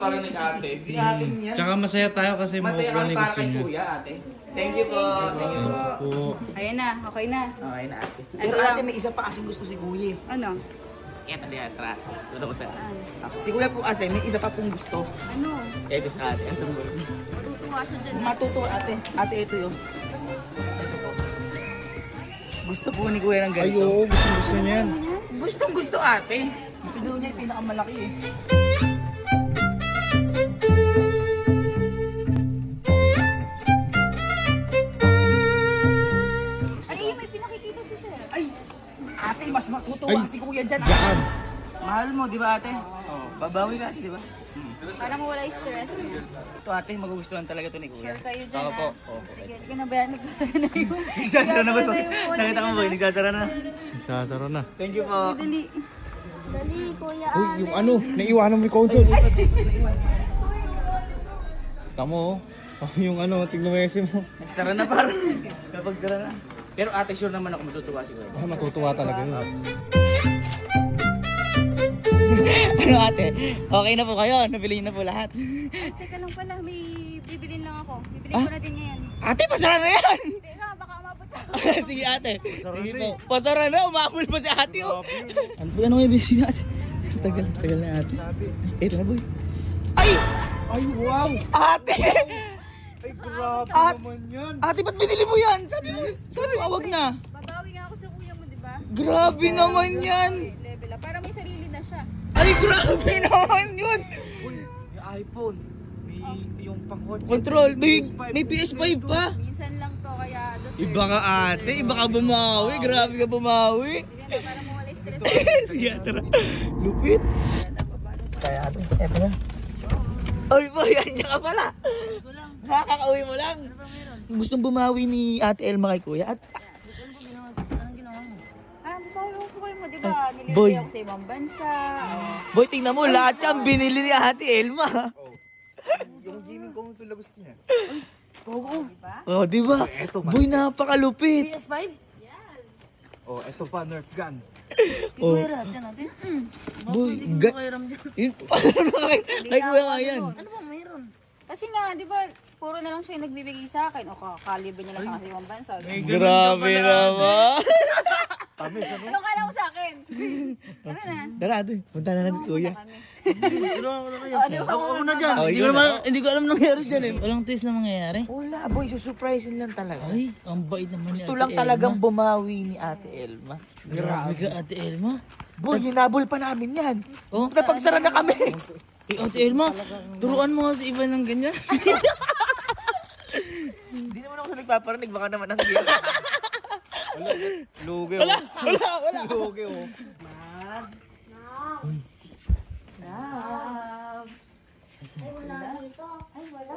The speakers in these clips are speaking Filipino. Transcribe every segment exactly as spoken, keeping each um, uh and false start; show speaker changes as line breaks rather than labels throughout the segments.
Para ni ate. Si ate niya.
Tsaka masaya tayo kasi
Masaya
makukuha
kami
ni
para
gusto
kay
niya.
kuya ate. Thank you po. Thank you po.
Po.
Ayan na, okay na.
Okay na ate.
Ito
Pero
lang.
ate may isa pa kasing gusto si kuya.
Ano?
Kaya tali atra. Ito ko sa.
Ano?
Si kuya po kasi may isa pa pong gusto.
Ano?
Ito sa ate. Ang sambol.
Matutuwa siya dyan. eh.
Matuto ate. Ate ito yun. Ito po. Gusto po ni kuya ng
Ay,
ganito.
oo, gusto gusto niya yan.
Gustong gusto ate. Gusto daw niya yung pinakamalaki eh.
Ay, may pinakikita si sir.
Ay! Ate, mas matutuwa
Ay.
si kuya dyan.
Yan.
Mahal mo, di ba ate? Oh, babawi ka ate, di ba? Hmm.
Para mawala yung stress.
Ito ate, magugustuhan talaga to ni kuya.
Sure kayo dyan,
Oo po.
ah.
Oo po.
Sige, hindi ka na ba yan? Nagsasara na yun.
Nagsasara na ba ito?
Nagsasara na yung
Nakita mo ba? Nagsasara na.
Sasaro na.
Thank you po.
Dali.
Dali, Kuya
Uy,
Alex.
yung ano, naiwanan mo yung console. Tamo, oh. Tamo yung ano, tignan mo yung S M mo.
Nagsara na par. Kapag sara na. Pero ate, sure naman ako matutuwa si kuya.
Ah, matutuwa talaga yun.
Ano ate? Okay na po kayo? Nabili na po lahat.
Ay, teka lang pala. May bibilin lang ako. Bibilin
Ah?
ko na din ngayon.
Ate, pasara na yan!
Teka, baka umabot ako.
Sige ate. Sige po. Pasara na, umabol pa si ate oh. Ano po ano yung busy natin? Tagal, tagal na ate. Eh, na boy. Ay!
Ay, wow!
Ate!
Ay, grabe
At-
naman yan.
Ate, ba't binili mo yan? Sabi mo, sabi mo, wag na.
Babawi nga ako sa kuya mo, di ba?
Grabe naman yan.
Okay, level up. Para may sarili na siya.
Ay, grabe naman yun.
Uy, may iPhone. May yung pang-kotse.
Control, may, may P S five pa.
Minsan lang to, kaya deserve.
Iba ka ate, iba ka bumawi. Grabe ka bumawi.
Sige na, para mawala yung stress.
Sige, tara. Lupit. Kaya ate, eto na. Ay, boy, andyan ka pala. Nakakauwi mo lang. Gustong bumawi ni Ate Elma kay Kuya. At
Ah, babawi ako sa kuya mo, di ba?
boy.
Nililay ako sa ibang bansa.
boy, tingnan mo, lahat yan binili ni Ate Elma.
Yung gaming console na gusto niya.
Oo. Oh, di ba? Boy, napakalupit.
P S five?
Oh, eto pa, Nerf gun.
Oh,
Kuya Rat, yan natin.
boy, ga- yun, paano kay, kay Kuya nga yan.
Ano ba mayroon?
Kasi nga, di ba, puro na lang siya yung nagbibigay sa akin. O, kakalibre niya lang sa ibang bansa.
Grabe naman.
Anong kala mo sa akin? Ano na?
Tara, ate, punta na natin si Kuya.
Kami.
Oh, di ba? Ako, ako na dyan.
Oh,
Hindi
ikaw
ko naman,
na.
hindi ko alam nangyari dyan eh.
Walang twist na mangyayari? Wala, boy, susurprisein lang talaga.
Ay, ang bait naman
Gusto lang talagang bumawi ni Ate Elma.
Grabe ka, Ate Elma.
Boy, hinabol pa namin yan.
Oh?
Napagsara na kami.
Eh, Ate Elma, turuan mo nga si Ivan ng ganyan.
Hindi naman ako sa nagpaparinig, baka naman nasa gila.
Lugi,
Wala, wala, wala.
Lugi, oh.
Love.
Ay,
wala dito. Ay, wala.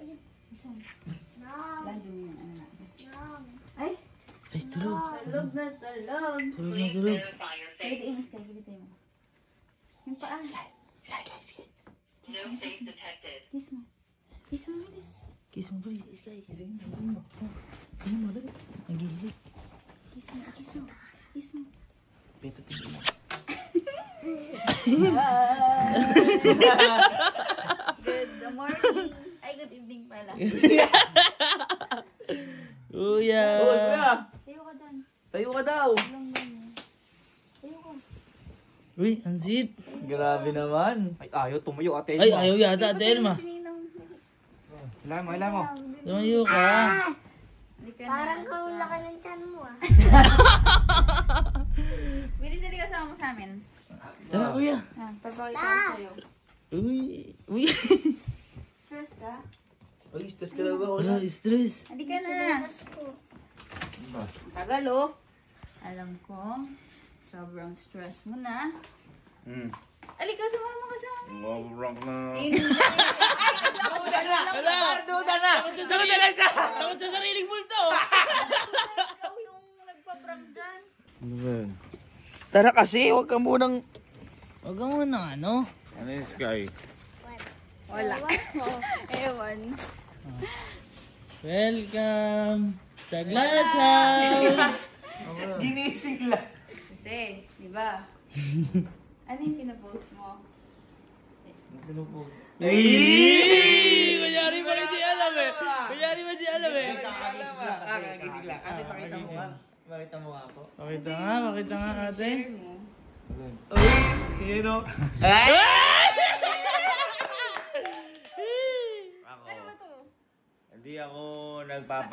Ay,
Ay, tulog.
talog na talog.
Tulog na tulog.
Kaya di ingas kayo, dito mo. Yung paa.
No face detected.
Kiss mo. Kiss mo, bilis.
Kiss mo, bali. Kiss mo. Kiss mo, dali. Nagihilig.
Kiss mo, kiss mo. Kiss mo.
Beto, tingin mo.
Good morning. Ay, good evening pala.
Kuya.
Oh, Kuya,
Tayo ka dyan.
tayo ka daw.
Lang ganyan. Tayo ka.
Uy, ansit.
Grabe naman. Ay, ayaw tumayo, Ate Elma.
Ay, ayaw yata, Ate Elma.
Sininang.
Alam mo, alam mo.
Tumayo ka.
Halika na.
Parang
So,
laki ng chan mo ah.
Bilis na di kasama mo sa amin.
Tara, kuya.
Ah, papakita ko sa'yo.
Uy. Uy.
Stress ka?
Ay, stress ka daw ba?
Wala, stress.
Halika na. Tagal oh. Alam ko, sobrang stress mo na.
Hmm.
Halika, sumama ka sa amin.
Mabrang na.
Hindi. Ay,
Duda na! Wala! Duda na! Duda na siya!
Takot sa sariling multo.
ikaw yung nagpa-prank dyan.
Ano ba yan?
Tara kasi, huwag ka munang...
Huwag ka muna, ano?
Ano yung sky?
Wala. Ewan.
Welcome sa Glass House.
Ginising lang.
Kasi, di ba? Ano yung pinapost mo?
Ano po? Uy! Kunyari ba hindi alam eh? Kunyari ba hindi alam eh?
Kakagising lang. Ate, pakita mo nga. Pakita mo nga ako.
Pakita nga, pakita nga ate.
Uy! Yun o.
Ano ba to?
Hindi ako nagpapa